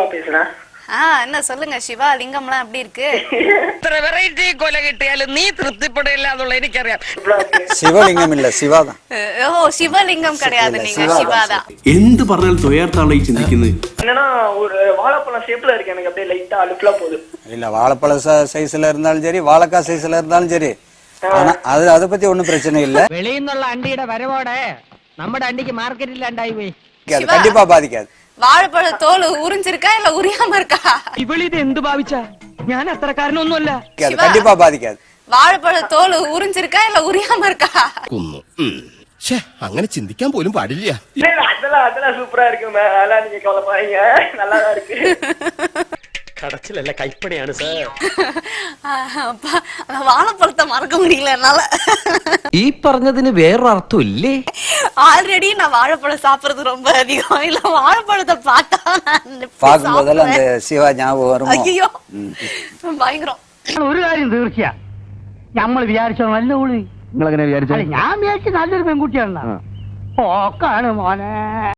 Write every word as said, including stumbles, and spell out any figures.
பேசுறேன். ஆ என்ன சொல்லுங்க சிவா, லிங்கம்லாம் எப்படி இருக்கு? ഇത്ര വെറൈറ്റി കൊല കിട്ടിയാലും നീ തൃപ്തിപ്പെടില്ല എന്നുള്ള എനിക്കറിയാം. சிவலிங்கம் இல்ல சிவாதான். ஓ சிவலிங்கம் கிடையாது, நீங்க சிவாதான். എന്ത് പറഞ്ഞാലും തൊയ്യാർത്താണ് ഈ ചിന്തിക്കുന്നത്. என்னன்னா ஒரு வாழைப்பழம் ஷேப்ல இருக்கு, எனக்கு அப்படியே லைட்டா அழுக்கலா போகுது. இல்ல வாழைப்பழ சைஸ்ல இருந்தாலும் சரி, வாழைக்காய் சைஸ்ல இருந்தாலும் சரி, ஆனா அது அதை பத்தி ஒண்ணும் பிரச்சனை இல்ல. വെളിയിൽ നിന്നുള്ള അണ്ടിയുടെ വരവോടെ നമ്മുടെ അണ്ടിക്ക് മാർക്കറ്റിൽ ഉണ്ടായി പോയി. கண்டிப்பா பாதிக்காது. வாழைப்பழ தோல் உறிஞ்சிருக்கா இல்ல உரியாம இருக்கா? ഇവളിത് എന്ത് ഭാവിച്ചാ? ഞാൻ അത്രക്കാരനൊന്നുമല്ല. கண்டிப்பா பாதிக்காது. வாழைப்பழ தோல் உறிஞ்சிருக்கா இல்ல உரியாம இருக்கா? അങ്ങനെ ചിന്തിക്കാൻ പോലും പാടില്ല. அதெல்லாம் அதெல்லாம் சூப்பரா இருக்கு, அதெல்லாம் நீங்க கவலைப்படாதீங்க, நல்லாதான் இருக்கு. கடைசியில கைப்படைയാണ് சார். அப்பா வாழைப்பழத்தை மறக்க முடியல என்னால. ഈ പറഞ്ഞതിന് വേറൊരു അർത്ഥം ഇല്ലേ? ஆல்ரெடி நான் வாழைப்பழம் சாப்பிடுறது ரொம்ப அதிகம், இல்ல வாழைப்பழத்தை பார்த்தா பார்க்கும் போதெல்லாம் அந்த சிவா ஞாபகம் வரும். ஐயோ பயங்கரம். ഒരു കാര്യം തീർച്ചയാ, നമ്മൾ വിചാരിച്ചോ നല്ല ഉള്ളി. നിങ്ങൾ എങ്ങനെ വിചാരിച്ചു? ഞാൻ വിചാരിച്ചു നല്ലൊരു പെൺകുട്ടിയാണ്. ഓക്കാണ് മോനെ.